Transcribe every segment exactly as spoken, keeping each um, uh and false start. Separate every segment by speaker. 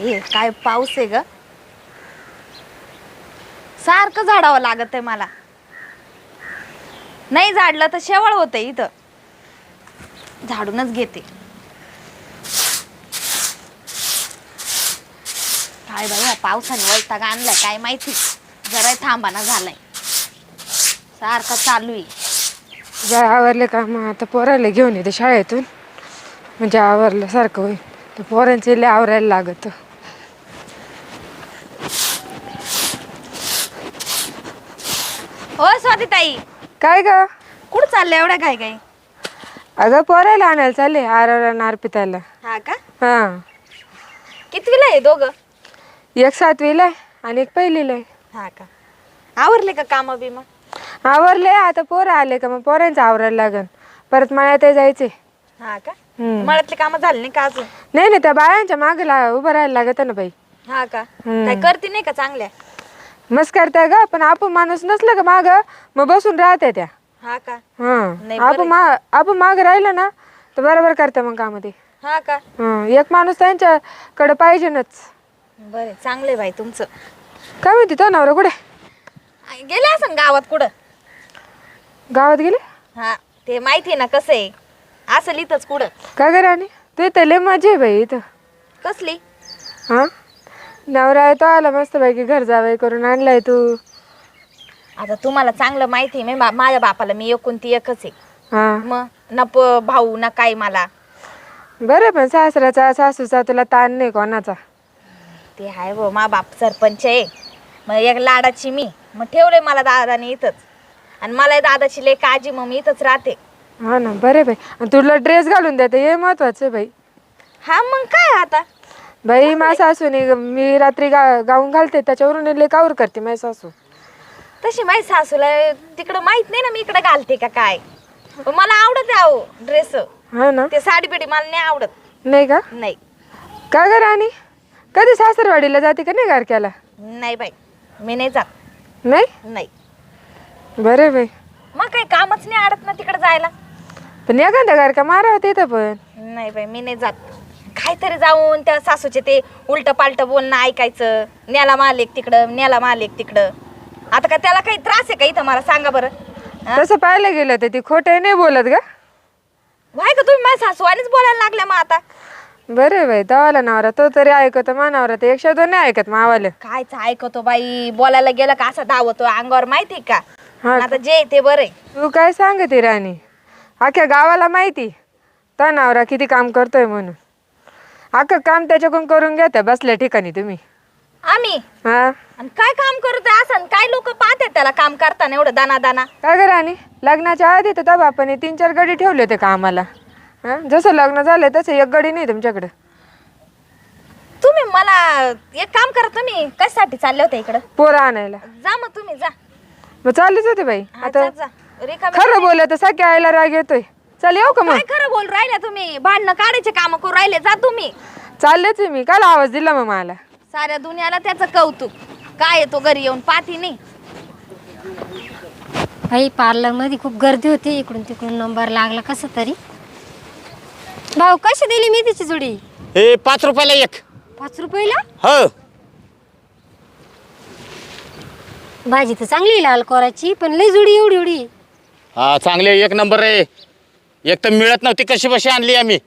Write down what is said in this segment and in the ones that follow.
Speaker 1: बाई काय पाऊस आहे ग, सारखं झाडावं लागत आहे मला. नाही झाडलं तर शेवळ होते इथं. झाडूनच घेते. काय बाई या पावसाने वैताग आणलाय काय माहिती. जरा थांबाना झालाय, सारखं चालू आहे.
Speaker 2: जर आवरले का मग आता पोराला घेऊन येते शाळेतून, म्हणजे आवरल्यासारखं होईल. तर पोरांचे लय आवरायला लागत.
Speaker 1: हो स्वातीताई,
Speaker 2: काय ग?
Speaker 1: कुठं चाललं एवढ्या काय काय?
Speaker 2: अगं पोरायला आणायला चालले आरवला अर्पिताला.
Speaker 1: हा का?
Speaker 2: हा,
Speaker 1: कितवीला आहे दोघं?
Speaker 2: एक सातवीला आहे आणि एक पहिलीला आहे.
Speaker 1: हा का? आवरले का काम बिम?
Speaker 2: आवरले. आता पोरं आले का मग पोरांचं आवरायला लागन. परत मळ्यात जायचे.
Speaker 1: हा का?
Speaker 2: हम्म.
Speaker 1: मळ्यातले काम झाले नाही का अजून?
Speaker 2: नाही नाही, त्या बायांच्या मागे ला उभं राहायला लागत ना बाई.
Speaker 1: हा का?
Speaker 2: हम्म.
Speaker 1: काय करते नाही का चांगल्या?
Speaker 2: मस्त करताय ग, पण आपण माणूस नसलं का माग मग बसून राहते त्या.
Speaker 1: हा का? नाही
Speaker 2: हा,
Speaker 1: बरं
Speaker 2: आपण मा आपण माग राहिलं ना तर बरोबर करते मग काम ते.
Speaker 1: हा का?
Speaker 2: हं, एक माणूस त्यांच्याकडे पाहिजेनच.
Speaker 1: बरे चांगले बाई तुमचं.
Speaker 2: काय म्हणते तो नवरा कुठे?
Speaker 1: गेले असं गावात कुठं?
Speaker 2: गावात गेले?
Speaker 1: हा, ते माहिती ना कसं आहे, असं इथंच कुठं.
Speaker 2: काय करे आणि तू इथं लय मजा आहे बाई इथं.
Speaker 1: कसली?
Speaker 2: हा, नवरा आहे तो आला मस्त पैकी घर जावई करून आणलाय तू.
Speaker 1: आता तुम्हाला चांगलं माहिती आहे, मी बा- माझ्या बापाला मी एकूण ती एकच आहे.
Speaker 2: हा,
Speaker 1: मग ना प- भाऊ ना काय मला.
Speaker 2: बरं, पण सासऱ्याचा सासूचा तुला ताण नाही कोणाचा.
Speaker 1: ते आहे व मा बाप सरपंच आहे, मग एक लाडाची मी, मग ठेवले मला दादाने इथंच. आणि मला दादाची लय काळजी, मग मी इथंच राहते.
Speaker 2: हा ना, बरे बाई. आणि तुला ड्रेस घालून देते हे महत्वाचं आहे बाई.
Speaker 1: हा मग काय आता.
Speaker 2: बाई माझ्या सासूने मी रात्री गा गाऊन घालते त्याच्यावरून लय कावर करते माझी सासू.
Speaker 1: तशी माझी सासूला तिकडं माहित नाही ना मी इकडे घालते का काय. पण मला आवडत आहे ड्रेस.
Speaker 2: हा ना,
Speaker 1: ते साडी बिडी मला नाही आवडत.
Speaker 2: नाही का?
Speaker 1: नाही
Speaker 2: का ग राणी, कधी सासरवाडीला जाते का नाही गारक्याला?
Speaker 1: नाही बाई, मी नाही जात.
Speaker 2: नाही?
Speaker 1: नाही,
Speaker 2: बरे बाई.
Speaker 1: मग काही कामच नाही अडत ना तिकडे जायला.
Speaker 2: पण एखादा गारका मारा तिथं पण.
Speaker 1: नाही बाई, मी नाही जात. काहीतरी जाऊन त्या सासूचे ते उलट पालट बोलणं ऐकायचं. न्याला मालिक तिकडं, न्याला मालिक तिकडं. आता का त्याला काही त्रास आहे का इथं, मला सांगा बरं. हा?
Speaker 2: तसं पाहायला गेलं तर ती खोटं नाही बोलत ग.
Speaker 1: व्हाय का तुम्ही माझ्या सासूवानीच बोलायला लागल्या मग आता.
Speaker 2: बरे बाई, तवाला नवरा तो तरी ऐकतो, मानावरा तर एक शब्द नाही ऐकत मावाले.
Speaker 1: कायच ऐकतो बाई, बोलायला गेलं का असा धावतो अंगावर, माहिती का.
Speaker 2: हा,
Speaker 1: आता जे ते बरं आहे.
Speaker 2: तू काय सांगते राणी, अख्ख्या गावाला माहिती तो नवरा किती काम करतोय म्हणून. अख्खं काम त्याच्याकडून करून घेता बसल्या ठिकाणी तुम्ही.
Speaker 1: आम्ही
Speaker 2: हा,
Speaker 1: आणि काय काम करतोय असं, काय लोक पाहतात त्याला काम करताना एवढं दाना दाना.
Speaker 2: काय ग राणी, लग्नाच्या आधी तर त्या बापाने तीन चार गडी ठेवले होते कामाला. हा, जसं लग्न झालं तसं एक गडी नाही तुमच्याकडे.
Speaker 1: तुम्ही मला एक काम करा, तुम्ही कशासाठी चालले होते इकडं?
Speaker 2: पोरं आणायला.
Speaker 1: जा मग तुम्ही जा.
Speaker 2: मग चाललीच होते बाई.
Speaker 1: हा,
Speaker 2: आता
Speaker 1: जा, जा. रिकामी-
Speaker 2: खरं बोलत सख्या आईला राग येतोय. चल येऊ का मग?
Speaker 1: काय खरं बोल राहिले तुम्ही, भांडणं काढायचे काम करू राहिले. जा तुम्ही.
Speaker 2: चाललेच आहे मी. काल आवाज दिला मग मला.
Speaker 1: साऱ्या दुनियाला त्याचं कौतुक. काय येतो घरी येऊन पाहती नाही.
Speaker 3: बाई पार्लर मध्ये खूप गर्दी होती, इकडून तिकडून नंबर लागला कसं तरी. भाऊ कशी दिली मेथीची जुडी?
Speaker 4: हे पाच रुपयाला एक.
Speaker 3: पाच रुपयाला?
Speaker 4: हो,
Speaker 3: भाजी तर चांगली लाल कोराची, पण लय जुडी एवढी एवढी.
Speaker 4: हा चांगले एक नंबर आहे. एक तर मिळत नव्हती, कशी बशी आणली आम्ही.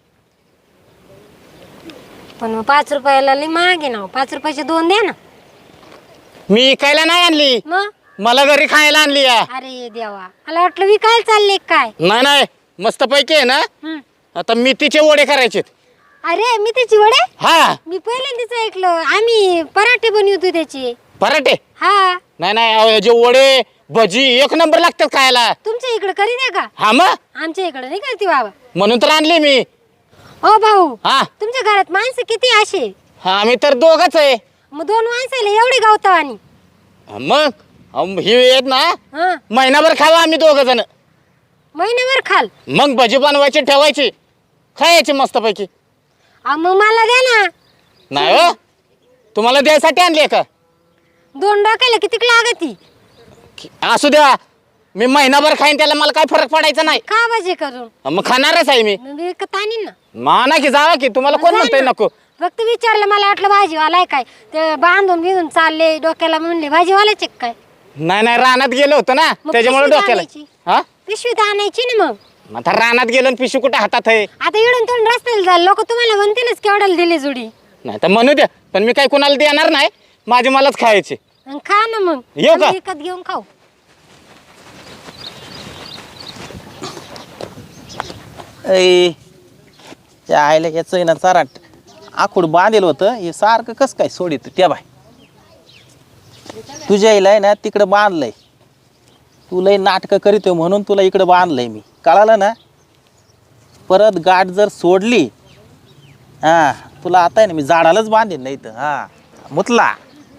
Speaker 3: पण मग पाच रुपयाला लय महाग आहे ना. पाच रुपयाचे दोन द्या ना.
Speaker 4: मी इकायला नाही आणली,
Speaker 3: मग
Speaker 4: मला घरी खायला आणली या.
Speaker 3: अरे देवा, मला वाटलं विकायला चालले काय.
Speaker 4: नाही नाही, मस्त पैकी आहे ना.
Speaker 3: हं.
Speaker 4: आता मेथीचे वडे करायचे.
Speaker 3: अरे मी त्याची वडे,
Speaker 4: हा,
Speaker 3: मी पहिल्यांदाच ऐकलं. आम्ही पराठे बनवतो त्याचे.
Speaker 4: पराठे.
Speaker 3: हा,
Speaker 4: नाही नाही, अहो, जे वडे भजी एक नंबर लागतात खायला.
Speaker 3: तुमच्या इकडे करी द्या का?
Speaker 4: हा मग
Speaker 3: आमच्या इकडे नाही करते बाबा.
Speaker 4: म्हणून तर आणली मी.
Speaker 3: ओ भाऊ,
Speaker 4: हा
Speaker 3: तुमच्या घरात माणसं किती असे?
Speaker 4: हा, आम्ही तर दोघच आहे.
Speaker 3: मग दोन माणसाला एवढी गावतावानी?
Speaker 4: हा, मग अहो, ही येत ना
Speaker 3: हा,
Speaker 4: महिनाभर खावा आम्ही दोघ जण.
Speaker 3: महिनाभर खाल.
Speaker 4: मग भजी बनवायची, ठेवायची, खायची मस्त पैकी.
Speaker 3: अहो, मग मला द्या ना.
Speaker 4: नाही हो, तुम्हाला द्यायसाठी आणली का?
Speaker 3: दोन डोक्याला किती लागती?
Speaker 4: असू द्या, मी महिनाभर खाईन, त्याला मला काय फरक पडायचा नाही.
Speaker 3: का भाजी करून?
Speaker 4: मग खाणारच आहे मी.
Speaker 3: मग विकत आणीन ना.
Speaker 4: माना की जावा की, तुम्हाला कोण
Speaker 3: जा
Speaker 4: म्हणतोय
Speaker 3: ना.
Speaker 4: नको.
Speaker 3: फक्त विचारलं, मला वाटलं भाजीवाला आहे काय, ते बांधून बिंधून चालले डोक्याला, म्हणले भाजीवालाच आहे काय.
Speaker 4: नाही नाही रानात गेलो होतो ना
Speaker 3: मग
Speaker 4: त्याच्यामुळे
Speaker 3: पिशवीत
Speaker 4: डोक्याला.
Speaker 3: आणायची.
Speaker 4: हा
Speaker 3: पिशवीत आणायची ना मग.
Speaker 4: आता रानात गेलो आणि पिशू कुठे हातात आहे.
Speaker 3: आता इडून तिडून रस्त्याला झालं, लोक तुम्हाला म्हणतीलच केवढ्याला दिली जुडी.
Speaker 4: नाही तर म्हणू द्या, पण मी काही कुणाला देणार नाही, माझे मलाच खायचे.
Speaker 3: आणि खा ना मग.
Speaker 4: येऊ का?
Speaker 3: आम्ही विकत घेऊन खाऊ.
Speaker 5: ऐ त्या आईला याचं ना चराट आखूड बांधेल होतं, हे सारखं कसं काय सोडित त्या बाय. तुझ्या आईला आहे ना तिकडं बांधलंय, तू लय नाटकं करीतोय म्हणून तुला इकडं बांधलंय मी, कळालं ना. परत गाठ जर सोडली हा तुला आता आहे ना मी झाडालाच बांधेन नाही तर हा मुतला.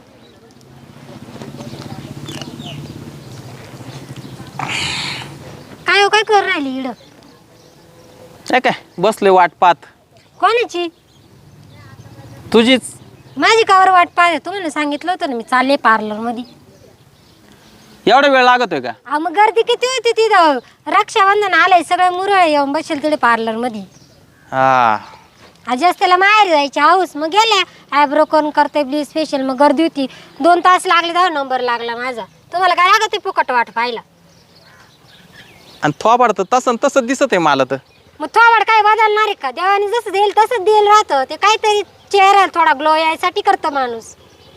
Speaker 3: काय हो, काय करू राहिली इड?
Speaker 5: काय काय बसले वाट पाहत.
Speaker 3: कोणाची?
Speaker 5: तुझीच.
Speaker 3: माझी कावर वाट पाहते? तुम्हाला सांगितलं होतं ना मी चालले पार्लर मध्ये.
Speaker 5: एवढा वेळ लागतोय का?
Speaker 3: अहो मग गर्दी किती होती तिथं, रक्षाबंधन आलंय, सगळे मुरळ येऊन बसेल तिथे पार्लर मध्ये.
Speaker 5: हा
Speaker 3: आज त्याला माहेर जायची हाऊस, मग गेल्या आयब्रो करून करते ब्लीच फेशियल, मग गर्दी होती. दोन तास लागले, दहा नंबर लागला माझा. तुम्हाला काय लागत आहे फुकट वाट पाहिला?
Speaker 5: आणि थोबाड तर तसं तसं दिसत आहे मला तर.
Speaker 3: मग थोबाड काय बदलणार आहे का? देवाने जसं देईल तसंच देईल राहतं. ते काहीतरी चेहरा थोडा ग्लो यायसाठी करतं माणूस.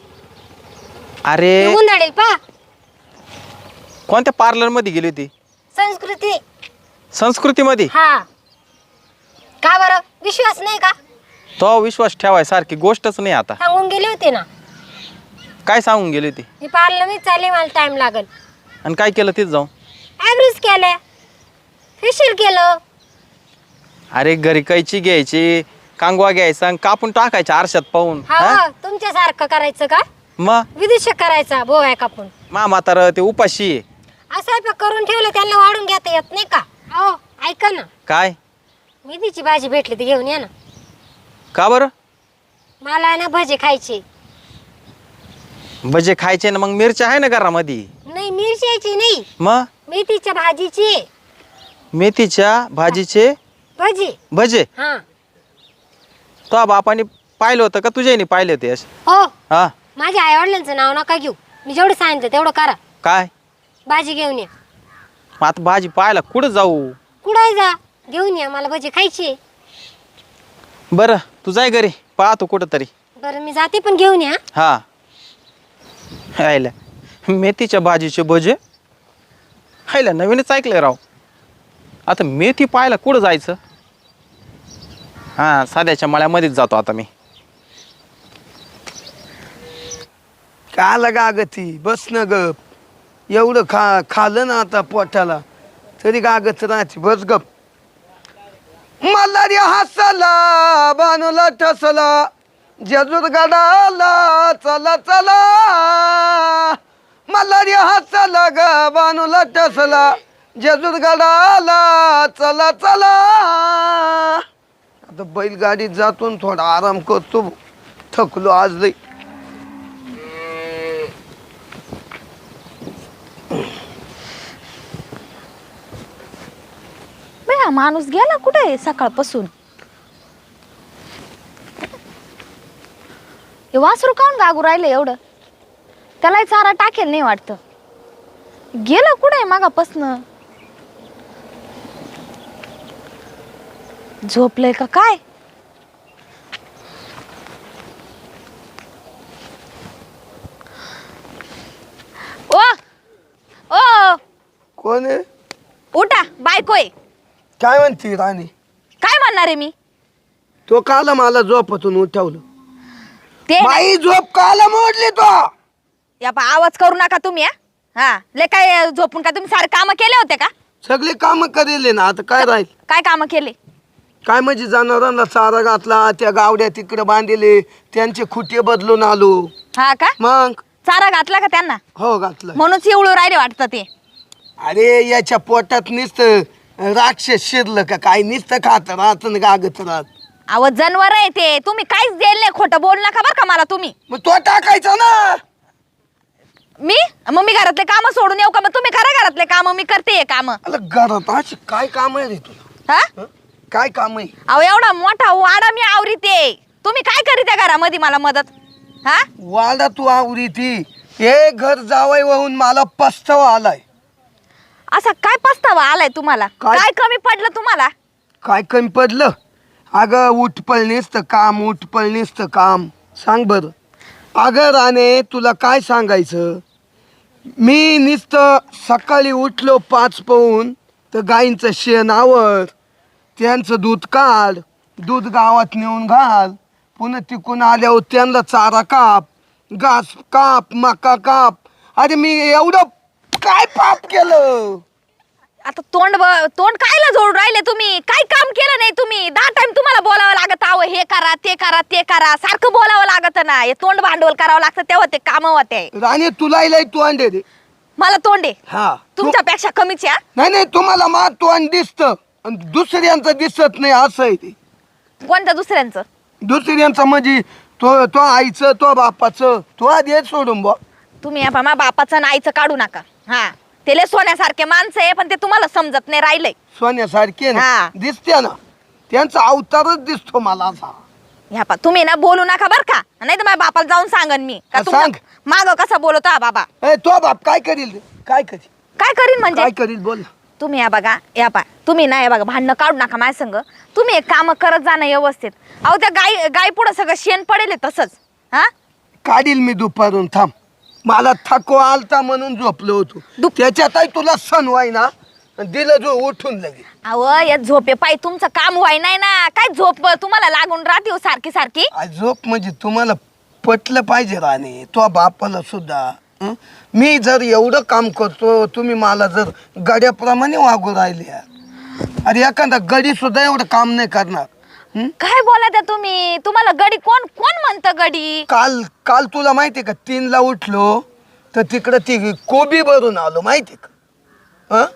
Speaker 5: अरे
Speaker 3: उंदाडेल पा.
Speaker 5: कोणत्या पार्लर मध्ये गेली होती?
Speaker 3: संस्कृती.
Speaker 5: संस्कृतीमध्ये?
Speaker 3: हा का बरं, विश्वास नाही का?
Speaker 5: तो विश्वास ठेवाय सारखी गोष्टच नाही. आता
Speaker 3: सांगून गेले होते ना.
Speaker 5: काय सांगून गेली होती?
Speaker 3: मी पार्लर मध्ये चालले, मला टाइम लागल.
Speaker 5: आणि काय केलं तिथं जाऊन?
Speaker 3: ॲब्रोज केल्या, फेशियल केलं.
Speaker 5: अरे घरी कैची घ्यायची, कांगवा घ्यायचा आणि कापून टाकायच्या आरशात पाहून.
Speaker 3: हा तुमच्यासारखं करायचं का?
Speaker 5: मग
Speaker 3: विदेशात करायचा बोवाय कापून.
Speaker 5: मा म्हातारं ते उपाशी आहे.
Speaker 3: असं करून ठेवलं, त्यांना वाढून घेता येत नाही का? हो ऐका ना,
Speaker 5: काय?
Speaker 3: मेथीची भाजी भेटली तर घेऊन या ना.
Speaker 5: का बरं?
Speaker 3: मला ना भजे खायचे.
Speaker 5: भजे खायचे ना, मग मिरच्या आहे ना घरामध्ये.
Speaker 3: नाही मिरच्याची नाही,
Speaker 5: मग
Speaker 3: मेथीच्या भाजीची.
Speaker 5: मेथीच्या भाजीचे
Speaker 3: भजी.
Speaker 5: भजे?
Speaker 3: हा
Speaker 5: तो बापाने पाहिलं होतं का तुझ्याने पाहिले होते असे?
Speaker 3: हो,
Speaker 5: हा
Speaker 3: माझ्या आई वडिलांचं नाव नका घेऊ. मी जेवढं सांगितलं तेवढं करा.
Speaker 5: काय?
Speaker 3: भाजी घेऊन या.
Speaker 5: मग आता भाजी पाहायला कुठं जाऊ?
Speaker 3: कुठं जा, घेऊन या, मला भजी खायची.
Speaker 5: बरं तू जाय घरी, पाहतो कुठं तरी.
Speaker 3: बरं मी जाते, पण घेऊन या.
Speaker 5: हा हायला मेथीच्या भाजीचे भजे हायला नवीनच ऐकलंय राव. आता मेथी पाहायला कुठं जायचं? हा साध्याच्या मळ्यामध्येच जातो आता मी.
Speaker 6: का लगा गती बस न गप. एवढं खा खाल्लं ना आता पोटाला तरी गागत राहते, बस गप. मल्हारी हसला बानूला ठसला, जेजूर गडाला चला चला. मल्हारी हसला ग बानूला ठसला, जेजूर गडाला चला चला. आता बैलगाडीत जातो न थोडा आराम करतो, थकलो आज लई.
Speaker 1: हा माणूस गेला कुठे सकाळपासून? हे वासरू काऊन गागू राहिलं एवढं? त्याला चारा टाकेल नाही वाटतं. गेलं कुठे मागापासनं? झोपलंय का काय? ओ ओ
Speaker 6: कोण आहे?
Speaker 1: उठा, बायकोय.
Speaker 6: काय म्हणते राणी?
Speaker 1: काय म्हणणार आहे मी?
Speaker 6: तो काला मला झोपातून उठवलं.
Speaker 1: ते
Speaker 6: बाई झोप काला मोडली तो.
Speaker 1: या पा आवाज करू नका तुम्ही. हा हा ले काय झोपून का तुम्ही सारे काम केले होते का?
Speaker 6: सगळे काम करेले ना, आता काय राहील?
Speaker 1: काय काम केले?
Speaker 6: काय म्हणजे जनावरांना चारा घातला, त्या गावड्या तिकडे बांधले, त्यांचे खुटे बदलून आलो.
Speaker 1: हा का?
Speaker 6: मग
Speaker 1: चारा घातला का त्यांना?
Speaker 6: हो घातलं.
Speaker 1: म्हणूनच एवढं राहिले वाटतं ते.
Speaker 6: अरे याच्या पोटात नुसतं राक्षस शिरलं का काय, नुसतं खात राहत गागत राहत.
Speaker 1: अहो जनवर आहे ते, तुम्ही काहीच देल नाही. खोटं बोल नका बरं का मला तुम्ही.
Speaker 6: मग तो टाकायचा ना.
Speaker 1: मी मग मी घरातले काम सोडून येऊ का? मग तुम्ही करा घरातले काम, मी करते काम.
Speaker 6: अरे घरात अशी काय काम आहे रे तुला?
Speaker 1: हा
Speaker 6: काय काम आहे?
Speaker 1: अहो एवढा मोठा वाडा मी आवरीते. तुम्ही काय करीत त्या घरामध्ये मला मदत? हा
Speaker 6: वाडा तू आवरी ती हे घर जावई वाहून मला पस्तावा आलाय.
Speaker 1: असा काय पस्तावा आलाय तुम्हाला?
Speaker 6: काय?
Speaker 1: काय कमी पडलं तुम्हाला?
Speaker 6: काय कमी पडलं? अगं उठपळणीच तर काम उठपळणीच तर काम सांग बरं. अगं राणे तुला काय सांगायचं, मी नुसतं सकाळी उठलो पाच पाहून तर गाईंचं शेण आवर, त्यांचं दूध काढ, दूध गावात नेऊन घाल, पुन्हा तिकून आल्यावर त्यांना चारा काप, घास काप, मका काप. अरे मी एवढं काय पाप केलं?
Speaker 1: आता तोंड ब- तोंड कायला जोडून राहिले तुम्ही? काय काम केलं नाही तुम्ही? दहा टाइम तुम्हाला बोलावं लागत आहो, हे करा ते करा ते करा, सारखं बोलावं लागत ना. हे तोंड भांडवल करावं लागतं तेव्हा ते काम होते.
Speaker 6: राणे तुला लय तू अंडे दे.
Speaker 1: मला तोंड आहे
Speaker 6: हा तू-
Speaker 1: तुमच्यापेक्षा कमीच आहे, हा?
Speaker 6: नाही नाही तुम्हाला मा तोंड दिसतं आणि दुसऱ्यांचं दिसत नाही असं आहे ते.
Speaker 1: कोणत्या दुसऱ्यांचं?
Speaker 6: दुसऱ्यांचं म्हणजे तो तो आईचं तो बापाचं तो आधी हे सोडून बा.
Speaker 1: तुम्ही या मा बापाचं आणि आईचं काढू नका. हा ते लय सोन्यासारखे माणसं आहे, पण ते तुम्हाला समजत नाही राहिलंय.
Speaker 6: सोन्यासारखे ना
Speaker 1: हा.
Speaker 6: दिसते ना, त्यांचा अवतारच दिसतो मला असा.
Speaker 1: ह्या पा तुम्ही ना बोलू नका बर का, नाही तर माझ्या बापाला जाऊन सांगन मी का
Speaker 6: हा,
Speaker 1: तुमचा
Speaker 6: सांग.
Speaker 1: माग कसा बोलतो हा बाबा.
Speaker 6: ए तो बाप काय करील रे? काय करील
Speaker 1: काय करीन म्हणजे?
Speaker 6: काय करील बोल ना.
Speaker 1: तुम्ही या बघा या पा तुम्ही ना या बघा भांडणं काढू नका माझ्या संग. तुम्ही एक काम करत जाणं व्यवस्थित. अहो त्या गाय गाय पुढं सगळं शेण पडेल तसंच. हा
Speaker 6: काढील मी दुपारून थांब. मला थकवा आलता म्हणून झोपलो होतो.
Speaker 1: दुप-
Speaker 6: त्याच्यातही तुला सण व्हाय ना दिलं जो उठून लगे.
Speaker 1: अहो या झोपे पायी तुमचं काम व्हाय नाही ना. काय झोप तुम्हाला लागून राहते हो सारखी सारखी?
Speaker 6: आ, झोप म्हणजे तुम्हाला पटलं पाहिजे राणे तो बापाला सुद्धा. हं? मी जर एवढं काम करतो तुम्ही मला जर गड्याप्रमाणे वागू राहिले. अरे एखादा गडी सुद्धा एवढं काम नाही करणार. हं?
Speaker 1: काय बोला त्या तुम्ही? तुम्हाला गडी कोण कोण म्हणतं गडी?
Speaker 6: काल काल तुला माहितीये का तीनला उठलो तर तिकडं ती कोबी भरून आलो माहितीये का? हं?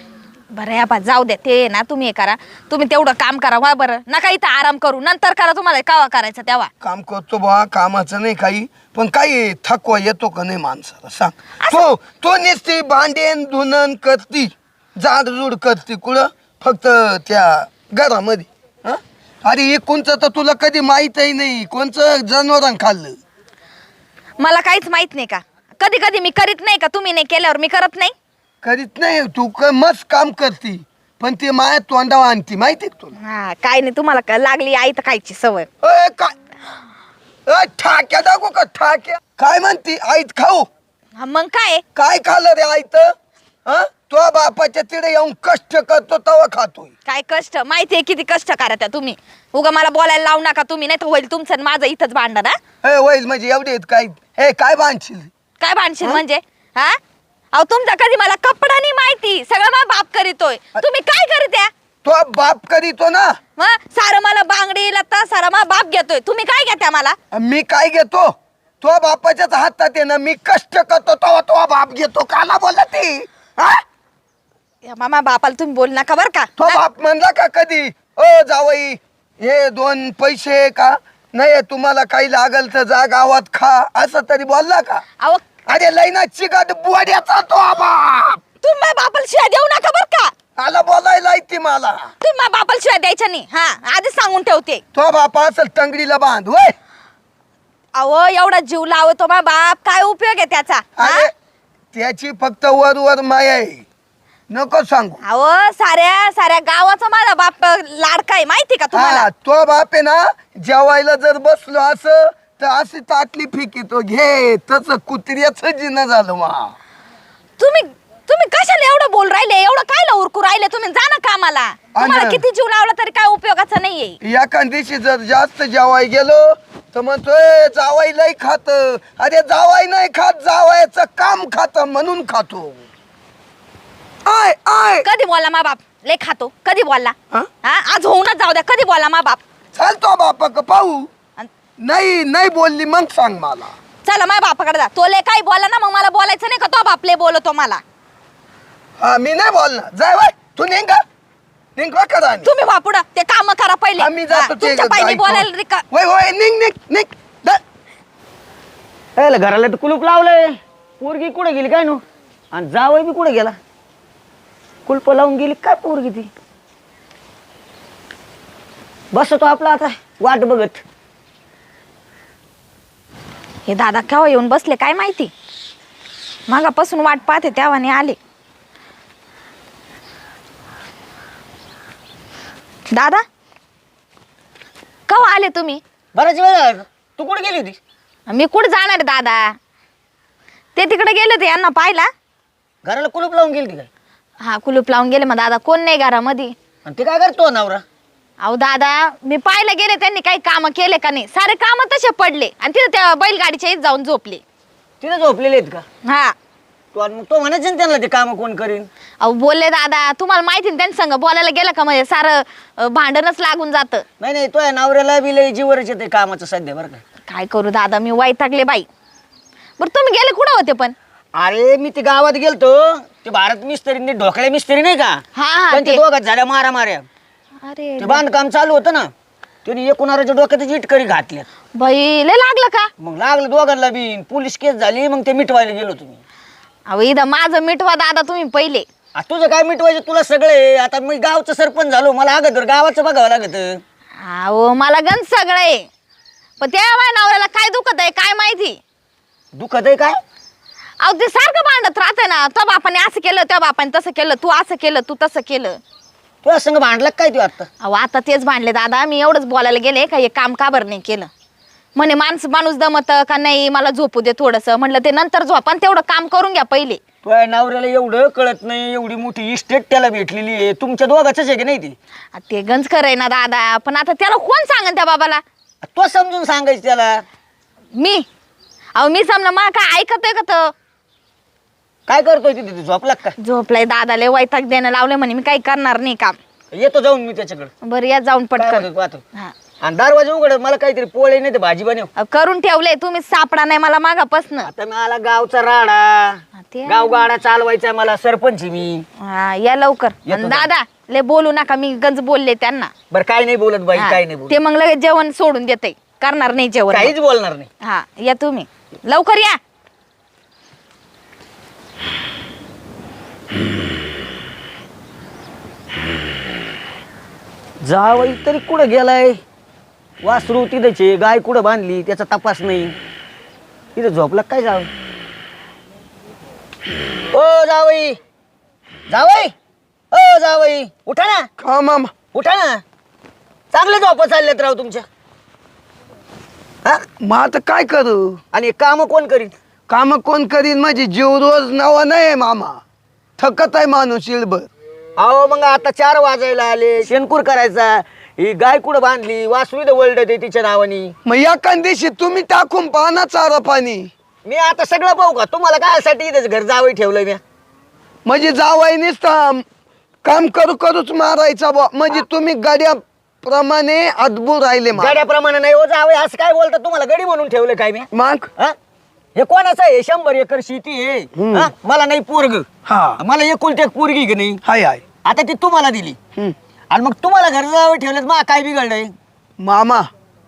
Speaker 1: बरं या पा जाऊ द्या ते ना. तुम्ही हे करा, तुम्ही तेवढं काम करा वा बरं. नका इथं आराम करू, नंतर करा तुम्हाला कावा करायचं तेव्हा.
Speaker 6: काम करतो बा कामाचं नाही काही, पण काही थकवा येतो का नाही माणसाला सांग. तो तो नुसती भांडेन धुनन करती जाडजूड करती कुठं फक्त त्या घरामध्ये. हं? अरे हे कोणचं तर तुला कधी माहीतही नाही कोणचं जनावरां खाल्लं.
Speaker 1: मला काहीच माहित नाही का? कधी कधी मी करीत नाही का? तुम्ही नाही केल्यावर मी करत नाही.
Speaker 6: करीत नाही तू क मस्त काम करती पण ती माया तोंडावर आणती माहिती का तुला?
Speaker 1: हा काय नाही तुम्हाला का लागली आई तर खायची सवय.
Speaker 6: अय, काय अय, ठाक्या दाखव का ठाक्या काय म्हणती आईत खाऊ?
Speaker 1: हा, मग काय?
Speaker 6: काय खाल्लं रे आईत? हा तो बापाच्या तिथे येऊन कष्ट करतो तवा खातोय.
Speaker 1: काय कष्ट माहितीये किती कष्ट करा त्या तुम्ही. उगा मला बोलायला लावू नका तुम्ही, नाही तर होईल तुमचं आणि माझं इथंच भांडण. हा
Speaker 6: हे होईल म्हणजे एवढे आहेत काय हे काय बांधशील?
Speaker 1: काय भांडशील म्हणजे? हा अहो तुमचा कधी मला कपडा नाही माहिती, सगळं माझा बाप करीतोय. तुम्ही काय करीत्या?
Speaker 6: तो बाप करीतो ना.
Speaker 1: मग सारं मला बांगडी लत्ता सारा माझा बाप घेतोय. तुम्ही काय घेत्या मला?
Speaker 6: मी काय घेतो? तो बापाच्याच हातात आहे ना. मी कष्ट करतो तेव्हा तो बाप घेतो. काला बोलला ती? हा
Speaker 1: या मामा बापाला तुम्ही बोल नका बर का.
Speaker 6: तो बाप म्हणला का कधी ओ जावई हे दोन पैसे का नाही तुम्हाला काही लागल तर जा गावात खा असं तरी बोलला का?
Speaker 1: अहो
Speaker 6: अरे लईना चिकट बुवाड्याचा तो बाप.
Speaker 1: तुम्ही माझ्या बापाला शिवाय देऊ नका बर का.
Speaker 6: आला बोलायला ती मला.
Speaker 1: तुम्ही माझ्या बापाला शिवाय द्यायच्या नाही. हा आधीच सांगून ठेवते.
Speaker 6: तो बापा असेल टंगडीला बांध होय.
Speaker 1: अहो एवढा जीव लावतो माझा बाप, काय उपयोग आहे त्याचा? हा?
Speaker 6: अरे त्याची फक्त वर वर माया आहे नको सांगू.
Speaker 1: अहो साऱ्या साऱ्या गावाचा माझा बाप लाडका आहे माहिती का तुम्हाला?
Speaker 6: हा तो बाप आहे ना जेवायला जर बसलो असं तर अशी ताटली फिकितो घे तस कुत्र्याच जिना झालं मा.
Speaker 1: तुम्ही तुम्ही कशाला एवढं बोल राहिले? एवढं कायला उरकू राहिले? तुम्ही जा ना कामाला. तुम्हाला
Speaker 6: अन-
Speaker 1: किती जीव लावला तरी काय उपयोगाचं नाहीये.
Speaker 6: एका दिवशी जर जास्त जेवाय गेलो तर म्हणतोय जावाई लय खात. अरे जावाई नाही खात, जावायचं काम खात म्हणून खातो. आय आय
Speaker 1: कधी बोलला मा बाप लय खातो? कधी बोलला?
Speaker 6: हा?
Speaker 1: हा आज होऊनच जाऊ द्या. कधी बोलला मा बाप?
Speaker 6: चालतो बापा का पाहू.
Speaker 1: अन-
Speaker 6: नाही नाही बोलली मग सांग मला.
Speaker 1: चला माझ्या बापाकडे जा. तो लय काय बोलला ना मग मला बोलायचं नाही का? तो बाप लय बोलतो मला.
Speaker 6: हा मी नाही बोलणार. जाय बाय तू नेंगा नेंगा करा.
Speaker 1: तुम्ही बापुड ते काम करा पहिले.
Speaker 6: आम्ही
Speaker 1: हा,
Speaker 6: जातो ते
Speaker 1: तुमच्या पायी
Speaker 6: ऐकतो.
Speaker 1: बोलायला रिका.
Speaker 6: होय होय निघ निघ निघ जा.
Speaker 7: ए, घराला तर कुलूप लावलंय. पोरगी कुठे गेली काय नु? आणि जावई बी कुठे गेला? कुलप लावून गेली काय पोरगी ती? बसतो आपला आता वाट बघत.
Speaker 1: हे दादा केव्हा येऊन बसले काय माहिती, मागापासून वाट पाहते तेव्हाने आले. दादा केव्हा आले तुम्ही?
Speaker 7: बराच वेळ झाला. तू कुठे गेली होती?
Speaker 1: मी कुठे जाणार आहे दादा, ते तिकडे गेले होते यांना पाहिला.
Speaker 7: घराला कुलूप लावून गेली काय?
Speaker 1: हा कुलूप लावून गेले. मग दादा कोण नाही घरामध्ये.
Speaker 7: आणि ते काय करतो नवरा?
Speaker 1: अहो दादा मी पाहायला गेले त्यांनी काही काम केले का नाही, सारे काम तसे पडले आणि तिथे त्या बैलगाडीच्या इथं जाऊन झोपले.
Speaker 7: तिथे झोपलेले आहेत का?
Speaker 1: हा
Speaker 7: तू आणि मग तो म्हणायचं ना त्यांना ते काम कोण करीन.
Speaker 1: अहो बोलले दादा, तुम्हाला माहिती ना त्यांच्या संग बोलायला गेलं का म्हणजे सारं अं, भांडणच लागून जातं.
Speaker 7: नाही नाही, तो नवऱ्याला बी लय जीवरच येते कामाचं सध्या बरं का.
Speaker 1: काय करू दादा, मी वैतागले बाई. बरं तुम्ही गेले कुठं होते पण?
Speaker 7: अरे मी ते गावात गेलतो, ते भारत मिस्त्री ढोकळ्या मिस्त्री नाही का,
Speaker 1: हा हा
Speaker 7: त्यांच्या
Speaker 1: ते.
Speaker 7: दोघात झाल्या मारा माऱ्या.
Speaker 1: अरे
Speaker 7: ते बांधकाम चालू होतं ना, त्यांनी एकूणाच्या डोक्यात इटकरी घातल्या.
Speaker 1: बाई लय लागलं का?
Speaker 7: मग लागलं दोघांना बी, पोलीस केस झाली. मग ते मिटवायला गेलो तुम्ही.
Speaker 1: अहो इथं माझं मिटवा दादा तुम्ही पहिले.
Speaker 7: आ, तुझं काय मिटवायचं, तुला सगळे. आता मी गावचं सरपंच झालो, मला अगोदर गावाचं बघावं लागत.
Speaker 1: अहो मला गंज सगळं आहे, पण त्या माझ्या नवऱ्याला काय दुखत आहे काय माहिती.
Speaker 7: दुखत आहे काय?
Speaker 1: अहो ते सारखं भांडत राहते ना, त्या बापाने असं केलं, त्या बापाने तसं केलं, तू असं केलं, तू तसं केलं.
Speaker 7: तुझ्या संग भांडला काय तू आता?
Speaker 1: अहो आता तेच भांडले दादा, मी एवढंच बोलायला गेले का हे काम का बरं नाही केलं. म्हणे माणूस माणूस दमत का नाही, मला झोपू दे थोडंसं. म्हटलं ते नंतर झोपा, तेवढं काम करून घ्या पहिले.
Speaker 7: तुझ्या नवऱ्याला एवढं कळत नाही, एवढी मोठी इस्टेट त्याला भेटलेली आहे, तुमच्या दोघाच आहे की नाही ती?
Speaker 1: आ, ते गंज खरंय ना दादा, पण आता त्याला कोण सांगन त्या बाबाला?
Speaker 7: तो समजून सांगायचं त्याला.
Speaker 1: मी अहो मी समजा मा काय ऐकतोय का तो?
Speaker 7: काय करतोय तिथे? झोपला का?
Speaker 1: झोपलाय दादा, लय वैताग देणं लावले म्हणे, मी काही करणार नाही काम.
Speaker 7: येतो जाऊन मी त्याच्याकडे.
Speaker 1: बरं या जाऊन पटकन.
Speaker 7: पाहतो.
Speaker 1: हा
Speaker 7: आणि दरवाजा उघड, मला काहीतरी पोळे नाही ते भाजी बनव.
Speaker 1: अहो, करून ठेवलंय, तुम्ही सापडा नाही मला मागापासन.
Speaker 7: आता मला गावचा राडा,
Speaker 1: ते
Speaker 7: गाव गाडा चालवायचा मला, सरपंच आहे मी.
Speaker 1: हा या लवकर.
Speaker 7: येतो
Speaker 1: आणि
Speaker 7: ना.
Speaker 1: दादा लय बोलू नका, मी गंज बोलले त्यांना.
Speaker 7: बरं काय नाही बोलत बाई,
Speaker 1: हा,
Speaker 7: काय नाही बोलत.
Speaker 1: ते मग लगेच जेवण सोडून देते, करणार नाही जेवण.
Speaker 7: काहीच बोलणार नाही.
Speaker 1: हा या तुम्ही लवकर या.
Speaker 7: जावई तरी कुठं गेलाय? वासरू तिथेच आहे, गाय कुठं बांधली त्याचा तपास नाही. तिथे झोपला काय जावई? ओ जावई, जावई, ओ जावई, उठा ना,
Speaker 6: का मामा?
Speaker 7: उठा ना. चांगले झोपा चाललेत राव तुमच्या. हा?
Speaker 6: मग आता काय करू?
Speaker 7: आणि काम कोण करीत?
Speaker 6: काम कोण करीन? माझी जीव रोज नवा नाही मामा, थकत आहे माणूस इळभर.
Speaker 7: अहो मग आता चार वाजायला आले, शेणकूर करायचा. ही गाय कुठं बांधली, वासरू इथं वळलं ते तिच्या नावानी.
Speaker 6: मग एका दिवशी तुम्ही टाकून पाना चारा पाणी.
Speaker 7: मी आता सगळं पाहू का? तुम्हाला काय इथेच घर जावई ठेवलंय मी?
Speaker 6: म्हणजे जावाई नुसता काम करू करूच मारायचा बुवा. म्हणजे तुम्ही गाड्या प्रमाणे अद्भुत राहिले मा-
Speaker 7: गाड्याप्रमाणे नाही हो जावई, असं काय बोलता? तुम्हाला गडी म्हणून ठेवलं काय मी?
Speaker 6: मग
Speaker 7: हा? हे कोणाचं आहे? शंभर एकर शेती आहे. हा? मला नाही पोरग,
Speaker 6: हा
Speaker 7: मला एकुलती एक पोरगी की नाही,
Speaker 6: हाय हाय.
Speaker 7: आता ती तुम्हाला दिली.
Speaker 6: हम्म.
Speaker 7: आणि मग तुम्हाला घर जावई ठेवलं, मग काय बिघडलंय?
Speaker 6: मामा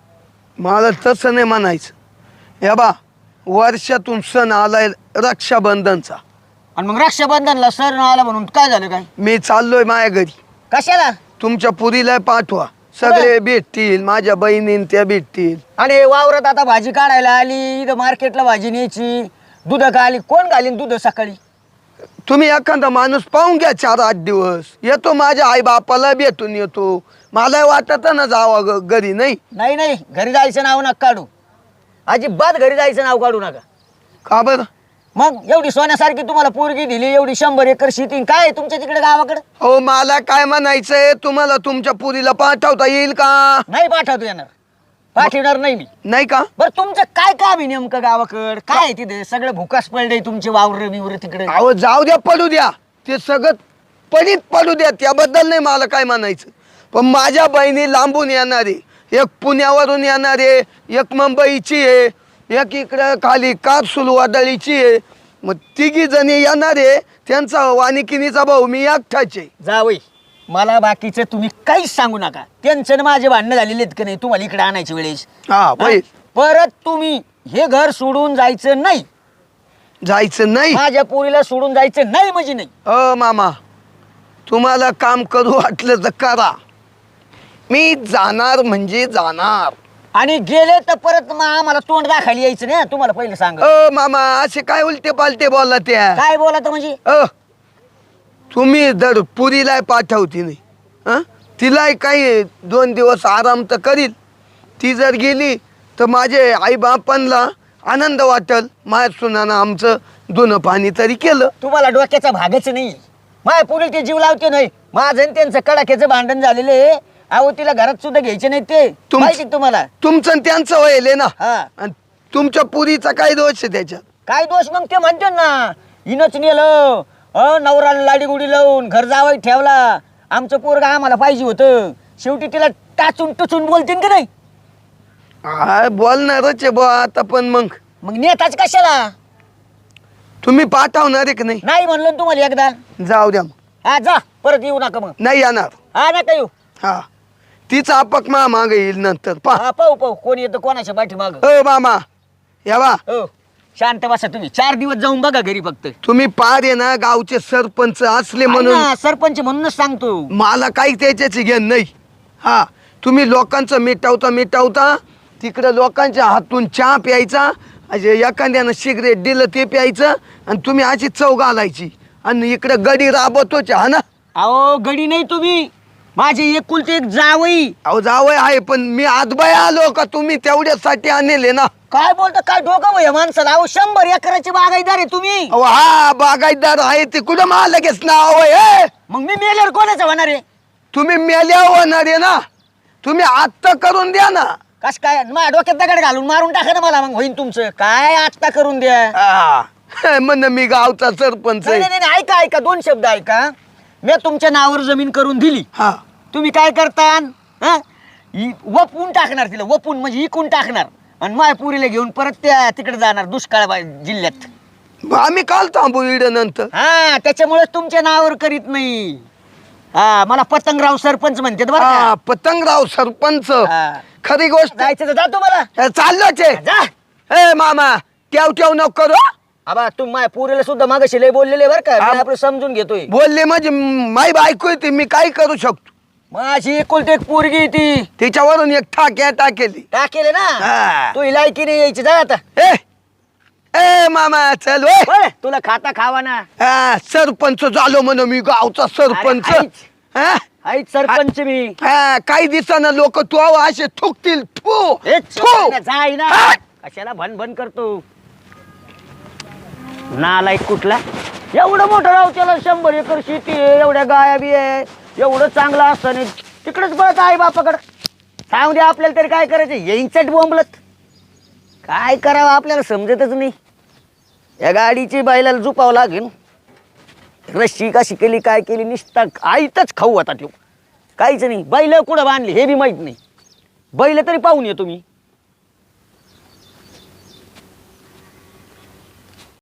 Speaker 6: मला तसं नाही म्हणायचं. या बा वर्षातून सण आलाय रक्षाबंधनचा,
Speaker 7: आणि मग रक्षाबंधनला सर आला म्हणून काय झालं काय?
Speaker 6: मी चाललोय माझ्या घरी.
Speaker 7: कशाला?
Speaker 6: तुमच्या पुरीला पाठवा, सगळे भेटतील, माझ्या बहिणीन त्या भेटतील.
Speaker 7: आणि वावरात आता भाजी काढायला आली, इथं मार्केटला भाजी न्यायची, दूध का आली, कोण घालीन दूध सकाळी?
Speaker 6: तुम्ही एखादा माणूस पाहून घ्या, चार आठ दिवस येतो, माझ्या आई बापाला भेटून येतो. मला वाटत ना जावा ग- घरी. नाही
Speaker 7: नाही नाही, घरी जायचं नाव नका काढू, अजिबात घरी जायचं नाव काढू नका.
Speaker 6: का बरं?
Speaker 7: मग एवढी सोन्यासारखी तुम्हाला पोरगी दिली, एवढी शंभर एकर शेती, काय आहे तुमच्या तिकडे गावाकडे?
Speaker 6: हो मला काय म्हणायचंय, तुम्हाला तुमच्या पुरीला पाठवता येईल का?
Speaker 7: नाही पाठवतो येणार, पाठवणार नाही मी.
Speaker 6: नाही का?
Speaker 7: बरं तुमचं काय काम आहे नेमकं गावाकड? काय आहे तिथे? सगळं भुकास पडले तुमचे वावर बिवर तिकडे.
Speaker 6: अहो जाऊ द्या, पडू द्या, ते सगळं पडीत पडू द्या, त्याबद्दल नाही मला काय म्हणायचं. पण माझ्या बहिणी लांबून येणारे, एक पुण्यावरून येणारे, एक मुंबईची आहे, एक इकडं खाली कारसूल वादळीची आहे. मग तिघी जणी येणारे, त्यांचा वानिकिनीचा भाऊ मी एकठाचे.
Speaker 7: जावई, मला बाकीचं तुम्ही काहीच सांगू नका. त्यांचं ना माझे भांडणं झालेले आहेत का नाही तुम्हाला इकडे आणायच्या वेळेस?
Speaker 6: हा
Speaker 7: हा?
Speaker 6: होईल.
Speaker 7: परत तुम्ही हे घर सोडून जायचं नाही,
Speaker 6: जायचं नाही.
Speaker 7: माझ्या पोरीला सोडून जायचं नाही म्हणजे नाही.
Speaker 6: अ मामा, तुम्हाला काम करू वाटलं तर करा, मी जाणार म्हणजे जाणार.
Speaker 7: आणि गेले तर परत मग आम्हाला तोंड दाखायला यायचं नाही हं, तुम्हाला पहिलं सांग
Speaker 6: अ मामा असे काय उलटे पालटे बोलला त्या
Speaker 7: काय बोला म्हणजे
Speaker 6: अ तुम्ही जर पुरीला पाठवती नाही हं? तिलाही काही दोन दिवस आराम तर करील. ती जर गेली तर माझे आई बापांना आनंद वाटेल. माझ्या सुनानं आमचं धुणं पाणी तरी केलं.
Speaker 7: तुम्हाला डोक्याचा भागच नाही. माय पुढे ते जीव लावते नाही. माझं आणि त्यांचं कडाक्याचं भांडण झालेलं आहे. अहो तिला घरात सुद्धा घ्यायचे नाही ते
Speaker 6: तुम-
Speaker 7: माहिती का तुम्हाला.
Speaker 6: तुमचं आणि त्यांचं व्हायले ना.
Speaker 7: हा
Speaker 6: आणि तुमच्या पुरीचा काय दोष आहे त्याच्यात?
Speaker 7: काय दोष मग ते म्हणते ना हिनच नेलं अ नवराला लाडी गुडी लावून घर जावं ठेवला. आमचं पोरगा आम्हाला पाहिजे होतं. शेवटी तिला टाचून टचून बोलतीन का नाही.
Speaker 6: हा बोलणारच आहे बुवा आता. पण मग
Speaker 7: मग नेताच कशाला.
Speaker 6: तुम्ही पाठवणार आहे की नाही?
Speaker 7: नाही म्हणलं ना तुम्हाला एकदा.
Speaker 6: जाऊ द्या मग.
Speaker 7: हा जा परत येऊ नका मग.
Speaker 6: नाही येणार.
Speaker 7: हा नका येऊ.
Speaker 6: हा तिचा आपक मा मागे येईल नंतर पा.
Speaker 7: हा पाहू पाहू कोण येतं कोणाच्या पाठीमाग.
Speaker 6: हो मामा यावा.
Speaker 7: हो शांत बसा तुम्ही. चार दिवस जाऊन बघा घरी फक्त.
Speaker 6: तुम्ही पार आहे ना गावचे सरपंच असले म्हणून
Speaker 7: हा, सरपंच म्हणूनच सांगतो.
Speaker 6: मला काही त्याच्याची घेण नाही. हा तुम्ही लोकांचं मिटावता मिटावता तिकडं लोकांच्या हातून चहा प्यायचा. असे एखाद्यानं सिगरेट दिलं ते प्यायचं आणि तुम्ही अशी चव घालायची आणि इकडं गडी राबवतोच हा ना.
Speaker 7: अहो गडी नाही तुम्ही माझी एकुलती एक जावई.
Speaker 6: अहो जावय आहे पण मी आजबाय आलो का तुम्ही तेवढ्यासाठी आणले ना.
Speaker 7: काय बोलता काय डोकं वय माणसाला. अहो शंभर एकराची बागायदार आहे तुम्ही.
Speaker 6: अहो हा बागायतदार आहे ते कुठं मला लगेच नाव आहे.
Speaker 7: मग मी मेल्यावर कोणाचं होणार आहे.
Speaker 6: तुम्ही मेल्या होणार आहे ना. तुम्ही आत्ता करून द्या ना.
Speaker 7: कस काय माझ्या डोक्यात दगड घालून मारून टाका ना मला. मग होईन तुमचं काय आत्ता करून द्या.
Speaker 6: हा म्हण मी गावचा सरपंच
Speaker 7: नाही
Speaker 6: आहे.
Speaker 7: नाही नाही, ऐका ऐका दोन शब्द ऐका. मी तुमच्या नावावर जमीन करून दिली.
Speaker 6: हा
Speaker 7: तुम्ही काय करता हं? इ- वपून टाकणार तिला. वपून म्हणजे इकून टाकणार आणि माय पुरीला घेऊन परत त्या तिकडे जाणार दुष्काळ बा- जिल्ह्यात.
Speaker 6: मग आम्ही काल थांबू इड नंतर.
Speaker 7: हा त्याच्यामुळे तुमच्या नावावर करीत नाही. हा मला पतंगराव सरपंच म्हणते बरं
Speaker 6: हा
Speaker 7: का.
Speaker 6: पतंगराव सरपंच.
Speaker 7: हा.
Speaker 6: खरी गोष्ट.
Speaker 7: जायचं तर जातो मला.
Speaker 6: चाललोच आहे.
Speaker 7: जा
Speaker 6: ए मामा ठेव ठेव नको करू.
Speaker 7: आबा तू माझ्या पुरीला सुद्धा मागाशी लय बोललेले बरं का.
Speaker 6: हा.
Speaker 7: मी आपलं समजून घेतोय.
Speaker 6: बोलले म्हणजे माई बायको येते मी काय करू शकतो.
Speaker 7: माझी एकुलती एक पोरगी आहे ती.
Speaker 6: तिच्यावरून एक ठाक्या टाकेली.
Speaker 7: टाकेले ना
Speaker 6: हा.
Speaker 7: तू लायकी नाही यायची. जा आता.
Speaker 6: ए ए मामा चल ओय.
Speaker 7: बरं, तुला खाता खावा ना.
Speaker 6: हा सरपंच झालो म्हण मी गावचा सरपंच.
Speaker 7: अरे, आईच.
Speaker 6: हा?
Speaker 7: आई सरपंच मी.
Speaker 6: हा, काही दिवसानं लोक तू असे थुकतील. थू
Speaker 7: हेच
Speaker 6: थू.
Speaker 7: जाई ना.
Speaker 6: हा.
Speaker 7: कशाला भन भन करतो नालायक कुठला. एवढं मोठं राव त्याला शंभर एकर शेती आहे. एवढ्या गाया बी आहे. एवढं चांगलं असतं तिकडेच बळत आई बापाकडं. सांगू दे आपल्याला तरी काय करायचं. येईचट बोंबलत काय करावं आपल्याला समजतच नाही. या गाडीची बैलाला झुपावं लागेल. रस्सी कशी केली काय केली निसता आईतच खाऊ आता ठेव. काहीच नाही. बैल कुठं बांधली हे बी माहित नाही. बैल तरी पाहून येतो मी.